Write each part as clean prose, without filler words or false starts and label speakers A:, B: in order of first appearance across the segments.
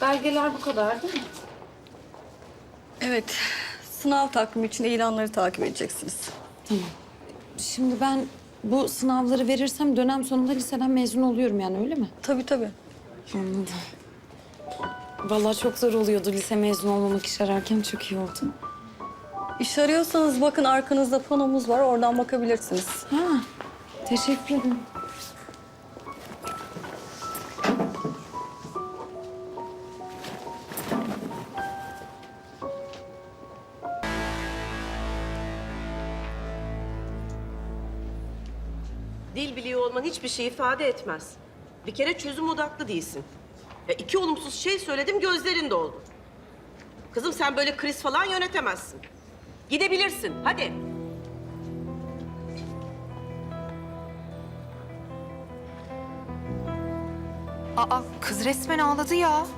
A: Belgeler bu kadar değil mi?
B: Evet, sınav takvimi için ilanları takip edeceksiniz.
A: Şimdi ben bu sınavları verirsem dönem sonunda liseden mezun oluyorum yani öyle mi?
B: Tabii tabii.
A: Anladım. Vallahi çok zor oluyordu lise mezun olmamak, iş ararken çok iyi oldu.
B: İş arıyorsanız bakın arkanızda panomuz var, oradan bakabilirsiniz.
A: Ha, teşekkür ederim.
C: Dil biliyor olman hiçbir şey ifade etmez. Bir kere çözüm odaklı değilsin. Ya iki olumsuz şey söyledim, gözlerin doldu. Kızım sen böyle kriz falan yönetemezsin. Gidebilirsin, hadi.
D: Aa, kız resmen ağladı ya.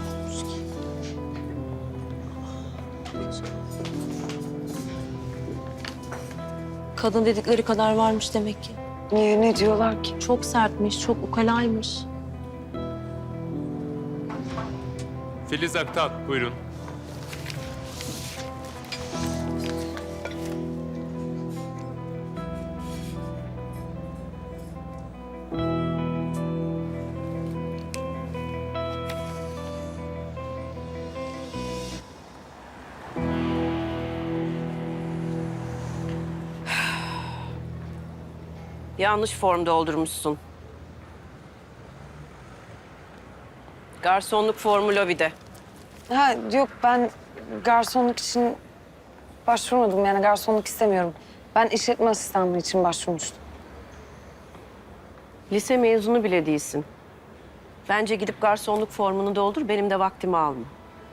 E: Kadın dedikleri kadar varmış demek ki.
A: Niye, ne diyorlar ki?
E: Çok sertmiş, çok ukalaymış.
F: Filiz Aktan, buyurun.
C: Yanlış form doldurmuşsun. Garsonluk formu lobide.
A: Ha yok, ben garsonluk için başvurmadım, yani garsonluk istemiyorum. Ben işletme asistanlığı için başvurmuştum.
C: Lise mezunu bile değilsin. Bence gidip garsonluk formunu doldur, benim de vaktimi alma.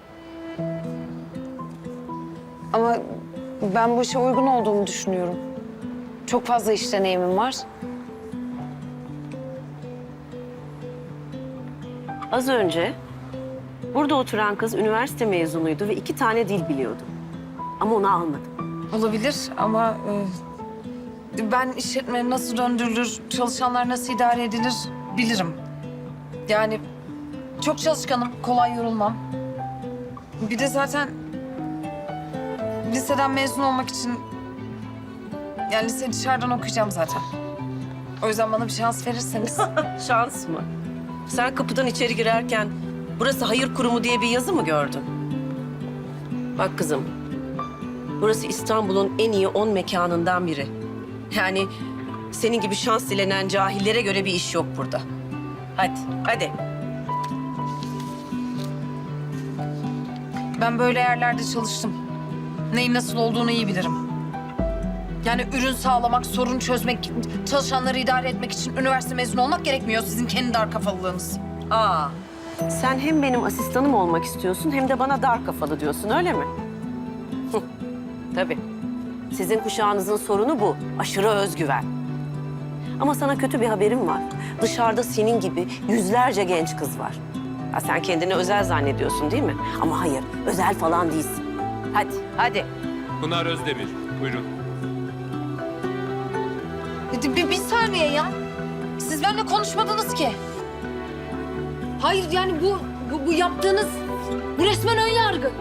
A: Ama ben bu işe uygun olduğumu düşünüyorum. Çok fazla iş deneyimim var.
C: Az önce burada oturan kız üniversite mezunuydu ve 2 tane dil biliyordu. Ama onu almadım.
A: Olabilir ama ben işletme nasıl döndürülür, çalışanlar nasıl idare edilir bilirim. Yani çok çalışkanım, kolay yorulmam. Bir de zaten liseden mezun olmak için, yani lise dışarıdan okuyacağım zaten. O yüzden bana bir şans verirseniz.
C: Şans mı? Sen kapıdan içeri girerken burası hayır kurumu diye bir yazı mı gördün? Bak kızım, burası İstanbul'un en iyi 10 mekanından biri. Yani senin gibi şans dilenen cahillere göre bir iş yok burada. Hadi, hadi.
A: Ben böyle yerlerde çalıştım. Neyin nasıl olduğunu iyi bilirim. Yani ürün sağlamak, sorun çözmek, çalışanları idare etmek için üniversite mezunu olmak gerekmiyor. Sizin kendi dar kafalılığınız.
C: Aa, sen hem benim asistanım olmak istiyorsun hem de bana dar kafalı diyorsun, öyle mi? Tabii. Sizin kuşağınızın sorunu bu, aşırı özgüven. Ama sana kötü bir haberim var. Dışarıda senin gibi yüzlerce genç kız var. Ha, sen kendini özel zannediyorsun değil mi? Ama hayır, özel falan değilsin. Hadi, hadi.
F: Pınar Özdemir, buyurun.
A: Bir saniye ya. Siz benimle konuşmadınız ki. Hayır yani bu yaptığınız, bu resmen ön yargı.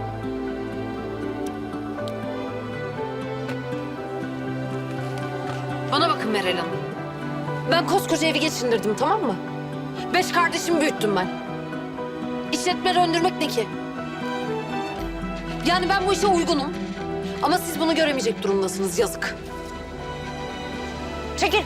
A: Bana bakın Meral Hanım. Ben koskoca evi geçindirdim, tamam mı? 5 kardeşimi büyüttüm ben. İşletme döndürmek ne ki? Yani ben bu işe uygunum. Ama siz bunu göremeyecek durumdasınız, yazık. Çekil.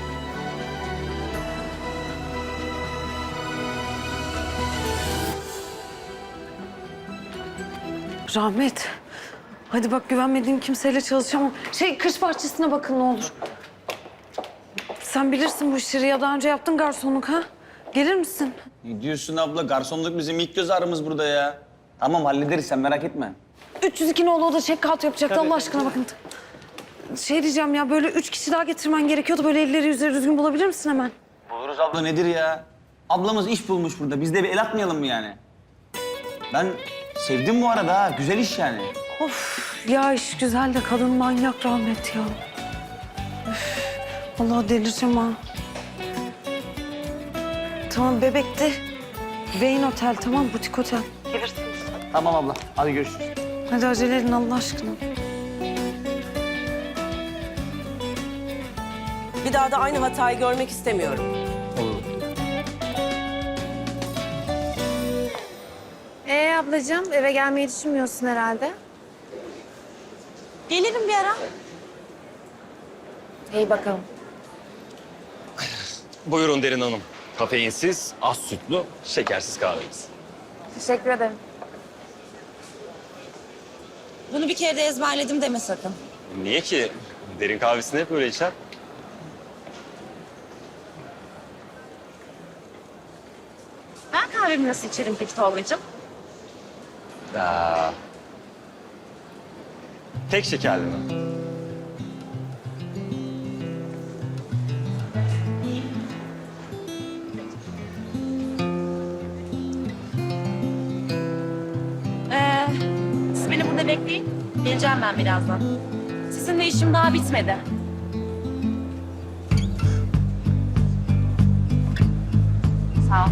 A: Rahmet. Hadi bak, güvenmediğim kimseyle çalışamam. Kış bahçesine bakın ne olur. Sen bilirsin bu işleri, ya daha önce yaptın garsonluk ha? Gelir misin?
G: Ne diyorsun abla? Garsonluk bizim ilk göz ağrımız burada ya. Tamam hallederiz, sen merak etme.
A: 302 nolu oda check out yapacaktı, Allah aşkına bakın. Diyeceğim ya, böyle 3 kişi daha getirmen gerekiyordu. Böyle elleri yüzleri düzgün bulabilir misin hemen?
G: Buluruz abla, nedir ya? Ablamız iş bulmuş burada. Biz de bir el atmayalım mı yani? Ben sevdim bu arada ha. Güzel iş yani.
A: Of ya, iş güzel de kadın manyak Rahmet ya. Üf, vallahi delireceğim ha. Tamam, Bebek'te Vane Otel, tamam, butik otel.
G: Tamam abla. Hadi görüşürüz.
A: Hadi acele edin Allah aşkına.
C: Bir daha da aynı hatayı görmek istemiyorum.
H: Ablacığım eve gelmeyi düşünmüyorsun herhalde.
E: Gelirim bir ara.
H: İyi bakalım.
I: Buyurun Derin Hanım. Kafeinsiz, az sütlü, şekersiz kahvemiz.
H: Teşekkür ederim.
E: Bunu bir kere de ezberledim deme sakın.
I: Niye ki? Derin kahvesini hep böyle içer.
E: Ben kahvemi nasıl içerim peki Tolga'cığım?
I: Tek şekerli mi?
E: Siz beni burada bekleyin. Geleceğim ben birazdan. Sizinle işim daha bitmedi. Sağ ol.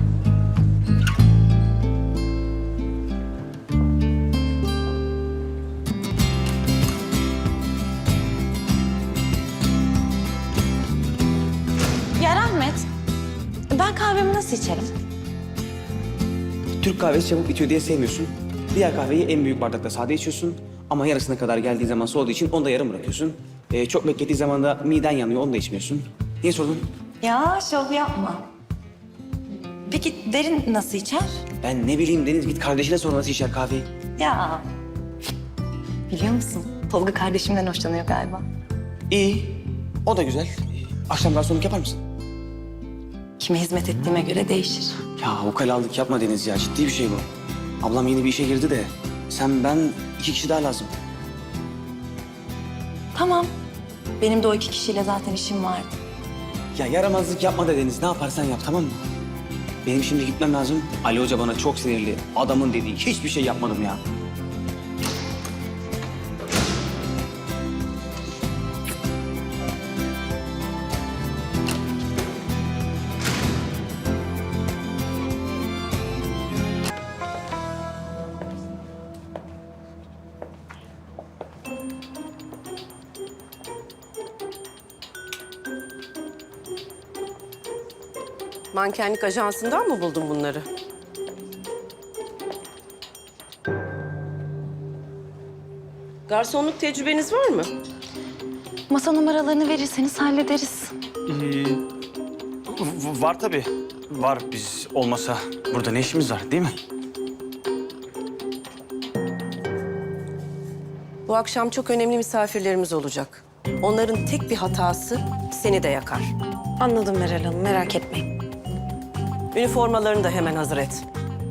E: Ya Rahmet, ben kahvemi nasıl içerim?
J: Türk kahvesi çabuk bitiyor diye sevmiyorsun. Diğer kahveyi en büyük bardakta sade içiyorsun. Ama yarısına kadar geldiği zaman soğuduğu için onu da yarım bırakıyorsun. Çok beklettiği zaman da miden yanıyor, onu da içmiyorsun. Niye sordun?
E: Ya şov yapma. Peki Derin nasıl içer?
J: Ben ne bileyim Deniz, git kardeşine sor nasıl içer kahveyi.
E: Ya. Biliyor musun? Tolga kardeşimden hoşlanıyor galiba.
J: İyi, o da güzel. Akşam garsonluk yapar mısın?
E: Kime hizmet ettiğime göre değişir.
J: Ya ukalalık yapma Deniz ya, ciddi bir şey bu. Ablam yeni bir işe girdi de sen, ben, 2 kişi daha lazım.
E: Tamam. Benim de o 2 kişiyle zaten işim vardı.
J: Ya yaramazlık yapma da Deniz, ne yaparsan yap, tamam mı? Benim şimdi gitmem lazım. Ali Hoca bana çok sinirli. Adamın dediği hiçbir şey yapmadım ya.
C: Mankenlik ajansından mı buldun bunları? Garsonluk tecrübeniz var mı?
E: Masa numaralarını verirseniz hallederiz.
J: Var tabii. Var, biz olmasa burada ne işimiz var değil mi?
C: Bu akşam çok önemli misafirlerimiz olacak. Onların tek bir hatası seni de yakar.
A: Anladım Meral Hanım, merak etmeyin.
C: Üniformalarını da hemen hazır et.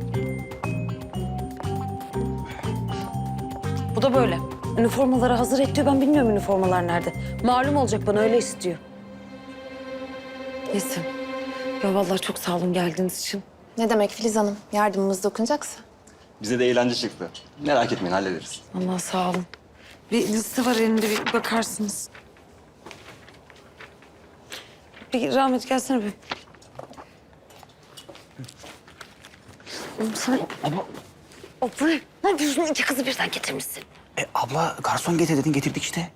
A: Bu da böyle. Üniformaları hazır et diyor. Ben bilmiyorum üniformalar nerede. Malum olacak bana, öyle istiyor. Neyse. Ya vallahi çok sağ olun geldiğiniz için.
H: Ne demek Filiz Hanım? Yardımımız dokunacaksa.
I: Bize de eğlence çıktı. Merak etmeyin, hallederiz.
A: Allah sağ olun. Bir liste var elimde, bir bakarsınız. Bir Rahmet gelsene bir. Sen... Abla, ne yapıyorsun? 2 kızı birden getirmişsin.
J: Abla garson getir dedin, getirdik işte.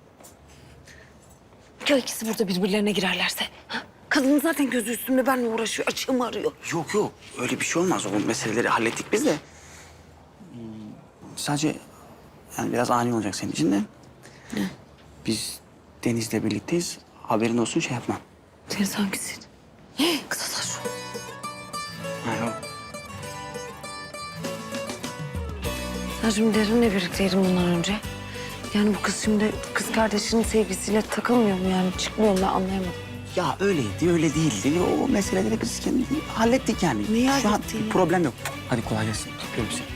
A: Ya ikisi burada birbirlerine girerlerse? Ha? Kadının zaten gözü üstümde, benimle uğraşıyor, açığımı arıyor.
J: Yok, öyle bir şey olmaz. O meseleleri hallettik biz de. Sadece yani biraz ani olacak senin için de. Biz Deniz'le birlikteyiz. Haberin olsun, şey yapmam.
A: Deniz hangisiydi? Kısa saç.
J: Ha, yok.
A: Sen şimdi Derin'le birlikteydin bundan önce. Yani bu kız şimdi kız kardeşinin sevgisiyle takılmıyor mu yani? Çıkmıyor mu, ben anlayamadım.
J: Ya öyleydi, öyle değildi. O meseleleri biz kendi hallettik yani.
A: Neyi
J: Şu an
A: hallettin ya?
J: bir problem yok. Hadi kolay gelsin. Öpüyorum seni.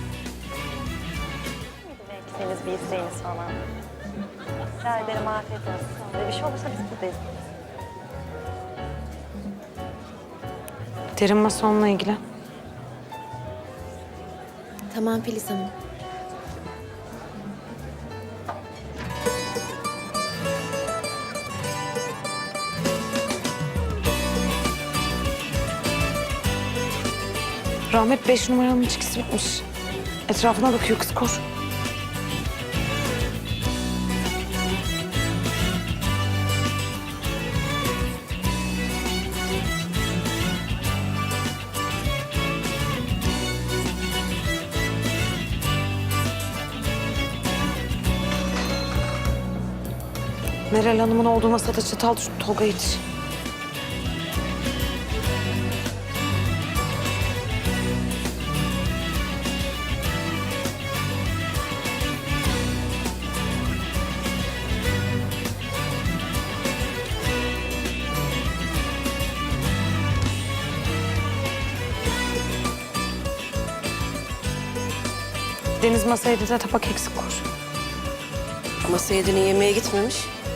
B: Beklediğiniz bir isteğiniz falan. Rica ederim, afiyet olsun. Bir şey olursa biz buradayız.
A: Derin masonla ilgili.
H: Tamam Filiz Hanım.
A: Rahmet 5 numaranın içkisi bitmiş. Etrafına bakıyor kız, koş. Meral Hanım'ın olduğu masada çatal düştü. Tolga yetiş. Deniz masaydı da tabak eksik koş.
C: Ama Seyit'in yemeğe gitmemiş.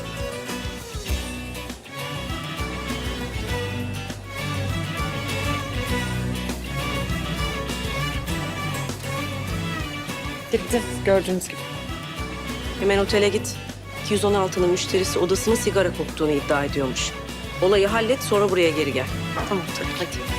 A: Gitti gördüğünüz gibi.
C: Hemen otele git. 216'nın müşterisi odasının sigara koktuğunu iddia ediyormuş. Olayı hallet, sonra buraya geri gel.
A: Tamam tabii.
C: Hadi.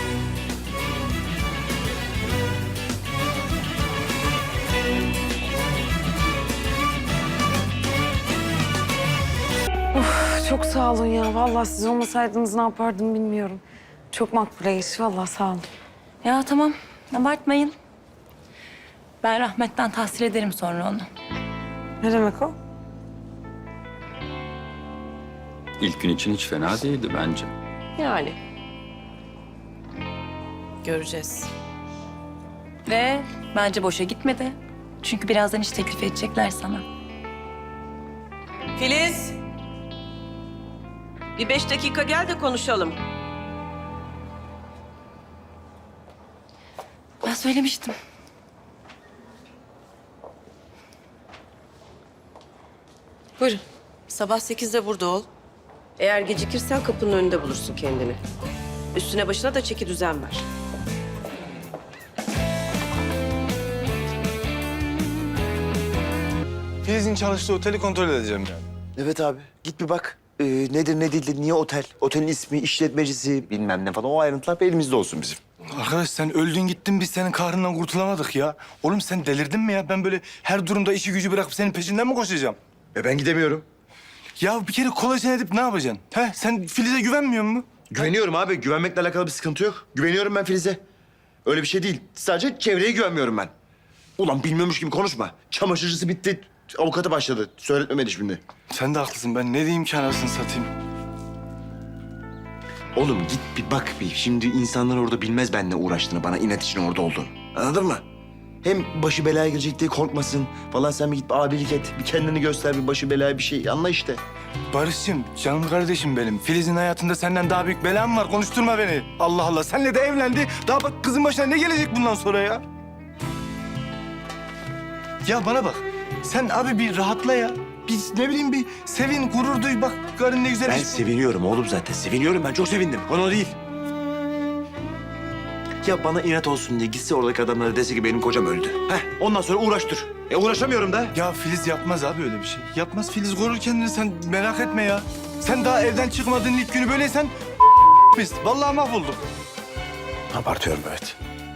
A: Çok sağ olun ya. Vallahi siz olmasaydınız ne yapardım bilmiyorum. Çok makbule iş. Vallahi sağ olun.
E: Ya tamam, abartmayın. Ben rahmetten tahsil ederim sonra onu.
A: Ne demek o?
I: İlk gün için hiç fena değildi bence.
C: Yani. Göreceğiz.
E: Ve bence boşa gitmedi. Çünkü birazdan iş teklif edecekler sana.
C: Filiz! Bir 5 dakika gel de konuşalım.
E: Ben söylemiştim.
C: Buyurun. Sabah 8'de burada ol. Eğer gecikirsen kapının önünde bulursun kendini. Üstüne başına da çeki düzen ver.
K: Filiz'in çalıştığı oteli kontrol edeceğim yani.
L: Evet abi. Git bir bak. Nedir ne değildir, niye otel? Otelin ismi, işletmecisi bilmem ne falan. O ayrıntılar elimizde olsun bizim.
K: Arkadaş sen öldün gittin biz senin kahrından kurtulamadık ya. Oğlum sen delirdin mi ya? Ben böyle her durumda işi gücü bırakıp senin peşinden mi koşacağım?
L: Ben gidemiyorum.
K: Ya bir kere kolajen edip ne yapacaksın? He sen Filiz'e güvenmiyor musun?
L: Güveniyorum abi. Güvenmekle alakalı bir sıkıntı yok. Güveniyorum ben Filiz'e. Öyle bir şey değil. Sadece çevreye güvenmiyorum ben. Ulan bilmiyormuş gibi konuşma. Çamaşırcısı bitti. Avukatı başladı. Söyletmemeli şimdi.
K: Sen de haklısın. Ben ne diyeyim ki anasını satayım?
L: Oğlum git bir bak bir. Şimdi insanlar orada bilmez benimle uğraştığını, bana inat için orada olduğunu. Anladın mı? Hem başı belaya girecek diye korkmasın. Vallahi sen bir git bir abilik et. Bir kendini göster, bir başı belaya bir şey. Anla işte.
K: Barış'cığım, canım kardeşim benim. Filiz'in hayatında senden daha büyük belam var. Konuşturma beni. Allah Allah. Senle de evlendi. Daha bak kızın başına ne gelecek bundan sonra ya? Ya bana bak. Sen abi bir rahatla ya. Bir ne bileyim bir sevin, gurur duy. Bak karın ne güzel
L: Ben
K: iş.
L: seviniyorum oğlum zaten. Seviniyorum ben. Çok sevindim. Konu o değil. Ya bana inat olsun diye gitse oradaki adamlara dese ki benim kocam öldü. Ondan sonra uğraş dur. Uğraşamıyorum da.
K: Ya Filiz yapmaz abi öyle bir şey. Yapmaz Filiz korur kendini sen merak etme ya. Sen daha evden çıkmadığın ilk günü böyleysen biz. Vallahi mahvolduk.
L: Abartıyorum evet.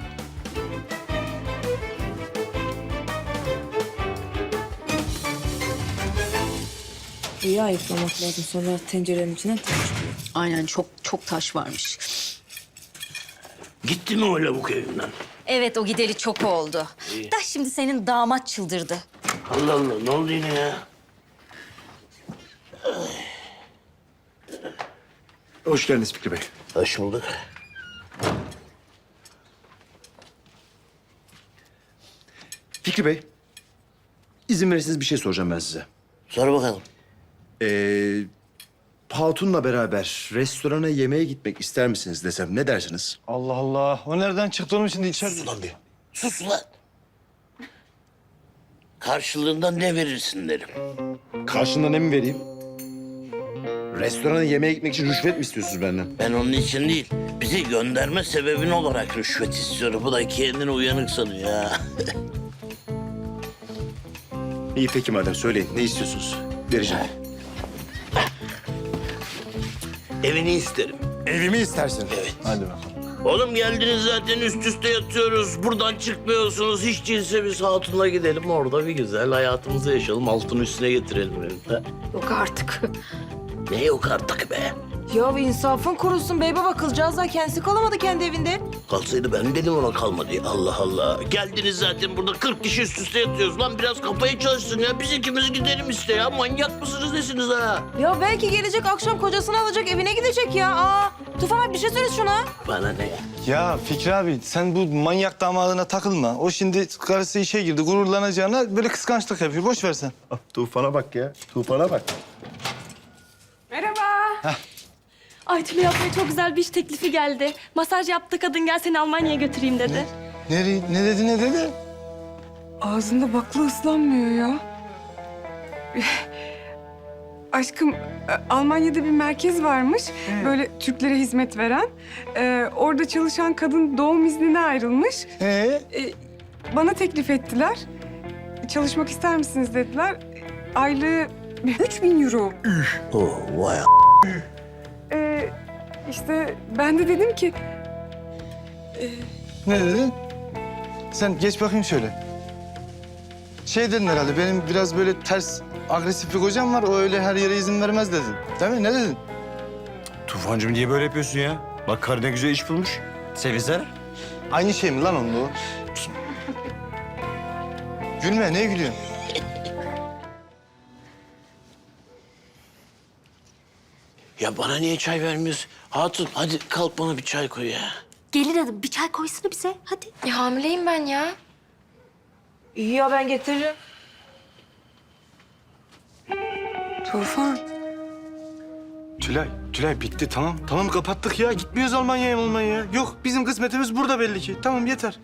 D: İyi ayıklamak lazım. Sonra tencerenin içine taş çıkıyor.
E: Aynen çok taş varmış.
M: Gitti mi o lavuk evinden?
E: Evet o gideli çok oldu. Da şimdi senin damat çıldırdı.
M: Allah Allah ne oldu yine ya?
L: Hoş geldiniz Fikri Bey.
M: Hoş bulduk.
L: Fikri Bey, izin verirseniz bir şey soracağım ben size.
M: Sor bakalım.
L: Hatun'la beraber restorana yemeğe gitmek ister misiniz desem ne dersiniz?
K: Allah Allah. O nereden çıktı oğlum şimdi içeride?
M: Sus lan bir. Sus lan. Karşılığında ne verirsin derim.
L: Karşında ne mi vereyim? Restorana yemeğe gitmek için rüşvet mi istiyorsunuz benden?
M: Ben onun için değil, bizi gönderme sebebin olarak rüşvet istiyorum. Bu da kendini uyanık sanıyor ya.
L: İyi peki madem söyleyin ne istiyorsunuz? Vereceğim.
M: Evini isterim.
L: Evimi istersin.
M: Evet.
K: Hadi bakalım.
M: Oğlum geldiniz zaten üst üste yatıyoruz. Buradan çıkmıyorsunuz. Hiç değilse biz Hatun'la gidelim. Orada bir güzel hayatımızı yaşayalım. Altını üstüne getirelim. Ha?
A: Yok artık.
M: Ne yok artık be?
D: Ya bir insafın kurusun bey baba, kızcağız da kendisi kalamadı kendi evinde.
M: Kalsaydı ben dedim ona kalma diye. Allah Allah. Geldiniz zaten burada 40 kişi üst üste yatıyoruz. Lan biraz kafayı çalışsın ya. Biz ikimiz gidelim işte ya. Manyak mısınız nesiniz ha?
D: Ya belki gelecek akşam kocasını alacak evine gidecek ya. Aa, Tufan abi bir şey söyle şuna.
M: Bana ne?
K: Ya Fikri abi sen bu manyak damadına takılma. O şimdi karısı işe girdi gururlanacağına böyle kıskançlık yapıyor. Boş ver sen.
L: Tufan'a bak ya. Tufan'a bak.
E: Ay Tülay ablaya çok güzel bir iş teklifi geldi. Masaj yaptı kadın, gel seni Almanya'ya götüreyim dedi.
K: Ne dedi?
N: Ağzında bakla ıslanmıyor ya. Aşkım, Almanya'da bir merkez varmış. Böyle Türklere hizmet veren. Orada çalışan kadın doğum iznine ayrılmış. Bana teklif ettiler. Çalışmak ister misiniz dediler. Aylığı 3.000 euro.
M: Oh vay
N: İşte ben de dedim ki...
K: Ne dedin? Sen geç bakayım şöyle. Şey dedin herhalde, benim biraz böyle ters, agresif bir kocam var. O öyle her yere izin vermez dedin. Değil mi? Ne dedin?
L: Tufancığım niye böyle yapıyorsun ya? Bak karı ne güzel iş bulmuş. Sevinsene.
K: Aynı şey mi lan onunla o? Gülme, neye gülüyorsun?
M: Ya bana niye çay vermiyorsun? Hatun hadi kalk bana bir çay koy ya.
H: Gelin hanım bir çay koysana bize hadi. Ya hamileyim ben ya.
D: İyi ya, ben getiririm.
N: Tufan,
K: Tülay bitti tamam. Tamam kapattık ya. Gitmiyoruz Almanya'ya. Yok bizim kısmetimiz burada belli ki. Tamam yeter.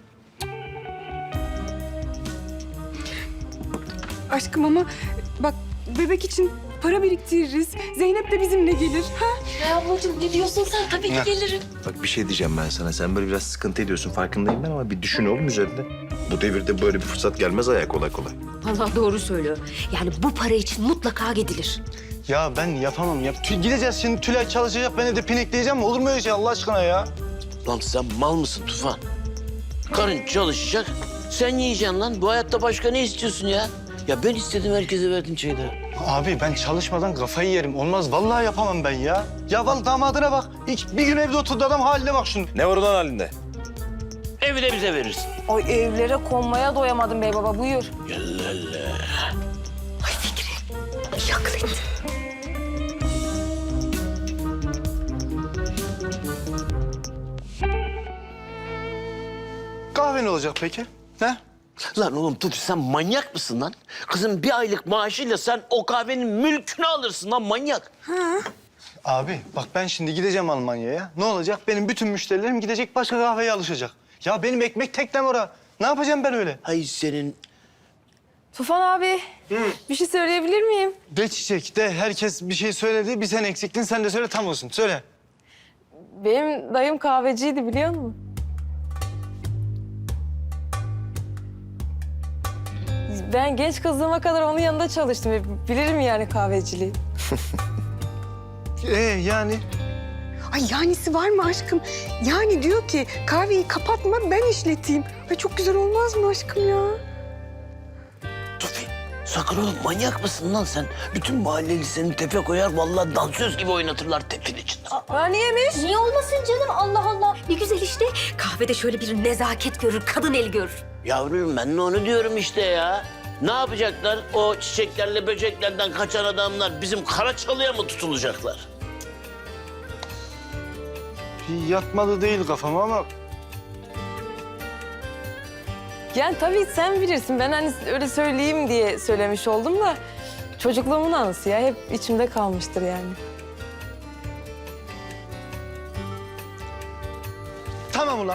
N: aşkım ama bak bebek için para biriktiririz. Zeynep de bizimle gelir. Ha?
H: Ya ablacığım ne diyorsun sen? Tabii ki gelirim.
L: Bak bir şey diyeceğim ben sana. Sen böyle biraz sıkıntı ediyorsun farkındayım ben ama bir düşün oğlum üzerinde. Bu devirde böyle bir fırsat gelmez ayağa kolay kolay.
H: Vallahi doğru söylüyor. Yani bu para için mutlaka gidilir.
K: Ya ben yapamam ya. Gideceğiz şimdi Tülay çalışacak. Ben evde pinekleyeceğim mi? Olur mu öyle şey Allah aşkına ya?
M: Lan sen mal mısın Tufan? Karın çalışacak, sen yiyeceksin lan. Bu hayatta başka ne istiyorsun ya? Ya ben istedim, herkese verdim çayı da.
K: Abi ben çalışmadan kafayı yerim. Olmaz vallahi yapamam ben ya. Ya vallahi damadına bak. Bir gün evde oturdu adam haline bak şunu.
L: Ne var ulan halinde?
M: Evi de bize verirsin.
D: Ay evlere konmaya doyamadım bey baba, buyur.
M: Yallah.
H: Ay Fikri. Yaklet.
K: Kahve ne olacak peki? Ne?
M: Lan oğlum Tufi sen manyak mısın lan? Kızım bir aylık maaşıyla sen o kahvenin mülkünü alırsın lan manyak.
K: Abi bak ben şimdi gideceğim Almanya'ya. Ne olacak? Benim bütün müşterilerim gidecek başka kahveye alışacak. Ya benim ekmek teknem ora. Ne yapacağım ben öyle?
M: Hay senin...
N: Tufan abi, bir şey söyleyebilir miyim?
K: De çiçek de herkes bir şey söyledi. Bir sen eksiktin sen de söyle tam olsun. Söyle.
N: Benim dayım kahveciydi biliyor musun? Ben genç kızlığıma kadar onun yanında çalıştım. Bilirim yani kahveciliği.
K: Yani?
N: Ay yanisi var mı aşkım? Yani diyor ki kahveyi kapatma ben işleteyim. Ay çok güzel olmaz mı aşkım ya?
M: Tufi sakın oğlum manyak mısın lan sen? Bütün mahalleli seni tepe koyar vallahi dansöz gibi oynatırlar tepin içinde.
N: Aa niyemiş?
H: Niye olmasın canım Allah Allah. Ne güzel işte. Kahvede şöyle bir nezaket görür, kadın eli görür.
M: Yavrum ben de onu diyorum işte ya. Ne yapacaklar? O çiçeklerle böceklerden kaçan adamlar bizim Karaçalı'ya mı tutulacaklar?
K: Yatmalı değil kafam ama
N: Yani tabii sen bilirsin. Ben hani öyle söyleyeyim diye söylemiş oldum da... ...çocukluğumun anısı ya. Hep içimde kalmıştır yani.
K: tamam ulan.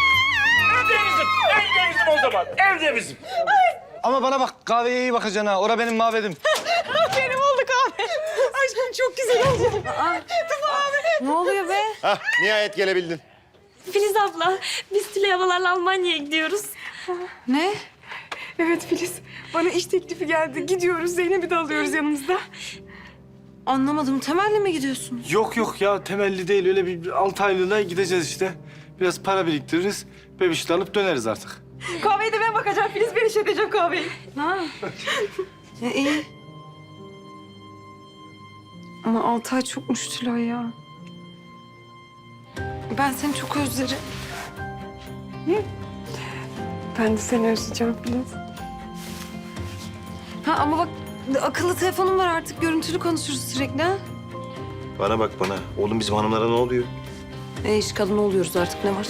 M: Evde bizim o zaman. Evde bizim.
K: Ama bana bak kahveye iyi bakacaksın ha. Ora benim mabedim.
N: Benim oldu kahve. Aşkım çok güzel oldu. Tufan abi. Ne oluyor be?
L: Hah nihayet gelebildin.
E: Filiz abla, biz Tülay ablalarla Almanya'ya gidiyoruz.
N: Ne? Evet Filiz. Bana iş teklifi geldi. Gidiyoruz. Zeynep'i de alıyoruz yanımızda.
D: Anlamadım, Temel'le mi gidiyorsunuz?
K: Yok ya temelli değil. Öyle bir 6 aylığına gideceğiz işte. Biraz para biriktiririz. Bebişi alıp döneriz artık.
N: Kahveyi de ben bakacağım. Filiz ben işleteceğim kahveyi.
A: İyi. Ama 6 ay çokmuş Tülay ya. Ben seni çok özlerim.
N: Ben de seni özleyeceğim Filiz.
A: Ha ama bak akıllı telefonum var artık görüntülü konuşuruz sürekli ha.
L: Bana bak bana. Oğlum bizim hanımlara ne oluyor?
A: İş kadını oluyoruz artık ne var?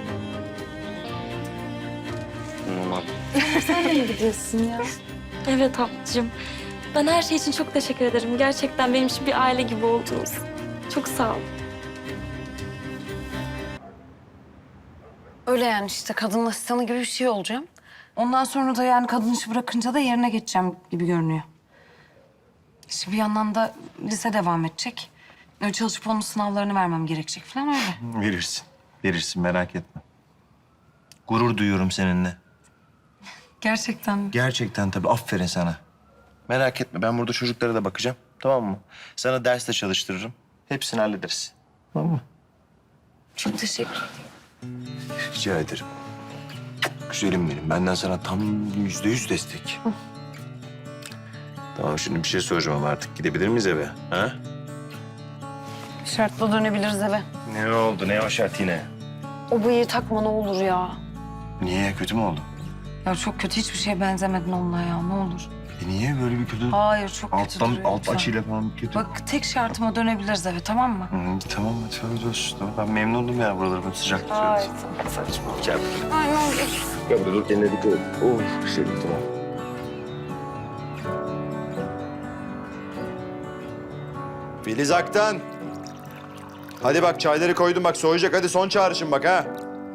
L: Aman.
A: Sen de mi gidiyorsun ya?
B: Evet ablacığım. Ben her şey için çok teşekkür ederim. Gerçekten benim için bir aile gibi oldunuz. Çok sağ olun.
A: Öyle yani işte kadın asistanı gibi bir şey olacağım. Ondan sonra da yani kadın işi bırakınca da yerine geçeceğim gibi görünüyor. İşte bir yandan da lise devam edecek. Öyle çalışıp onun sınavlarını vermem gerekecek falan öyle.
L: Verirsin. Verirsin merak etme. Gurur duyuyorum seninle.
A: Gerçekten mi?
L: Gerçekten tabii. Aferin sana. Merak etme. Ben burada çocuklara da bakacağım. Tamam mı? Sana ders de çalıştırırım. Hepsini hallederiz. Tamam mı?
A: Çok teşekkür ederim.
L: Rica ederim. Güzelim benim. Benden sana tam %100 destek. Tamam şimdi bir şey soracağım ama artık gidebilir miyiz eve? Ha?
A: Şartla dönebiliriz eve.
L: Ne oldu? Ne o şart yine?
A: O bıyığı takma ne olur ya.
L: Niye? Kötü mü oldu?
A: Ya çok kötü hiçbir şeye benzemedin onunla ya ne olur.
L: Niye böyle bir kötü?
A: Hayır çok kötü duruyor.
L: Alt
A: lütfen.
L: açıyla falan kötü.
A: Bak tek şartıma dönebiliriz eve tamam mı?
L: Tamam hadi olsun. Tamam. Ben memnunum ya buraları böyle sıcak tutuyoruz. Saçma. Gel buraya.
A: Ay ne olur.
L: Gel buraya dur kendine dikkat et. Şey tamam.
O: Filiz Aktan. Hadi bak çayları koydum bak soğuyacak. Hadi son çağrışım bak ha.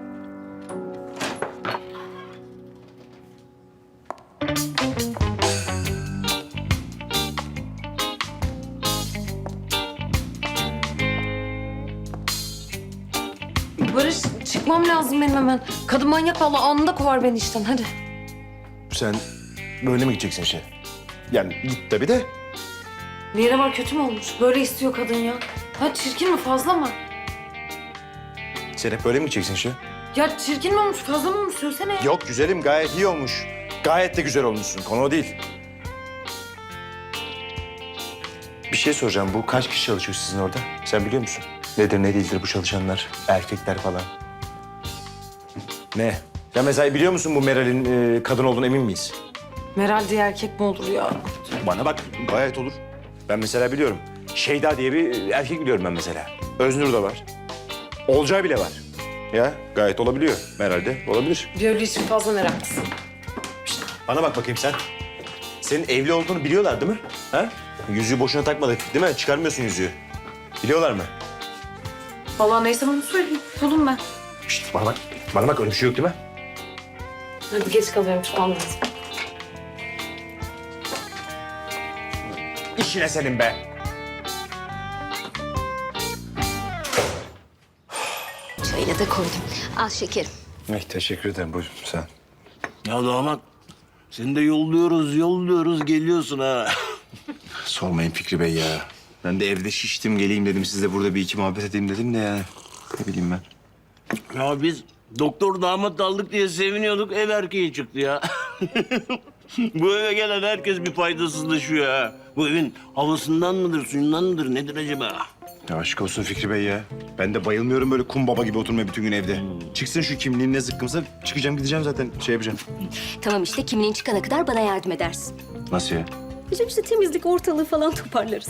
A: Barış çıkmam lazım benim hemen. Kadın manyak vallahi anında kovar beni işten hadi.
L: Sen böyle mi gideceksin işe? Yani git tabii de.
A: Bir yere var kötü mü olmuş? Böyle istiyor kadın ya. Ha çirkin mi fazla mı?
L: Sen hep böyle mi gideceksin işe?
A: Ya çirkin mi olmuş fazla mı olmuş söylesene ya.
O: Yok güzelim gayet iyi olmuş. Gayet de güzel olmuşsun. Konu o değil.
L: Bir şey soracağım. Bu kaç kişi çalışıyor sizin orada? Sen biliyor musun? Nedir ne değildir bu çalışanlar? Erkekler falan.
O: Ne? Ya mesela biliyor musun bu Meral'in kadın olduğunu emin miyiz?
A: Meral diye erkek mi olur ya?
O: Bana bak gayet olur. Ben mesela biliyorum. Şeyda diye bir erkek biliyorum ben mesela. Öznur da var. Olcay bile var. Ya gayet olabiliyor. Meral de olabilir.
A: Böyle için fazla meraklısın.
O: Bana bak bakayım sen. Senin evli olduğunu biliyorlar değil mi? Ha? Yüzüğü boşuna takmadık değil mi? Çıkarmıyorsun yüzüğü. Biliyorlar mı?
A: Vallahi neyse bunu söyleyeyim. Buldum ben.
O: Şişt, bana bak. Bana bak öyle bir şey yok değil mi?
A: Hadi geç kalıyorum çıkmam lazım.
O: İşine senin be.
H: Çayını da koydum. Al şekerim.
L: Teşekkür ederim. Buyurun sen.
M: Ya damat seni de yolluyoruz geliyorsun ha.
L: Sormayın Fikri Bey ya. Ben de evde şiştim geleyim dedim. Sizle burada bir iki muhabbet edeyim dedim de yani. Ne bileyim ben.
M: Ya biz doktor damat aldık diye seviniyorduk ev erkeği çıktı ya. Bu eve gelen herkes bir faydasızlaşıyor ha. Bu evin havasından mıdır, suyundan mıdır, nedir acaba?
L: Ya aşk olsun Fikri Bey ya. Ben de bayılmıyorum böyle kum baba gibi oturmaya bütün gün evde. Çıksın şu kimliğin ne zıkkımsa çıkacağım gideceğim zaten şey yapacağım.
H: Tamam işte kimliğin çıkana kadar bana yardım edersin.
L: Nasıl ya?
H: Bizim işte temizlik ortalığı falan toparlarız.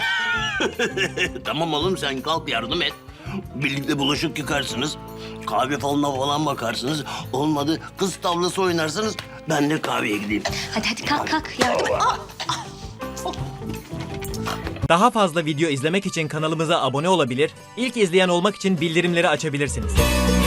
M: Tamam oğlum sen kalk yardım et. Birlikte bulaşık yıkarsınız. Kahve falan bakarsınız. Olmadı kız tavlası oynarsınız. Ben de kahveye gideyim.
H: Hadi kalk yardım et.
P: Daha fazla video izlemek için kanalımıza abone olabilir, ilk izleyen olmak için bildirimleri açabilirsiniz.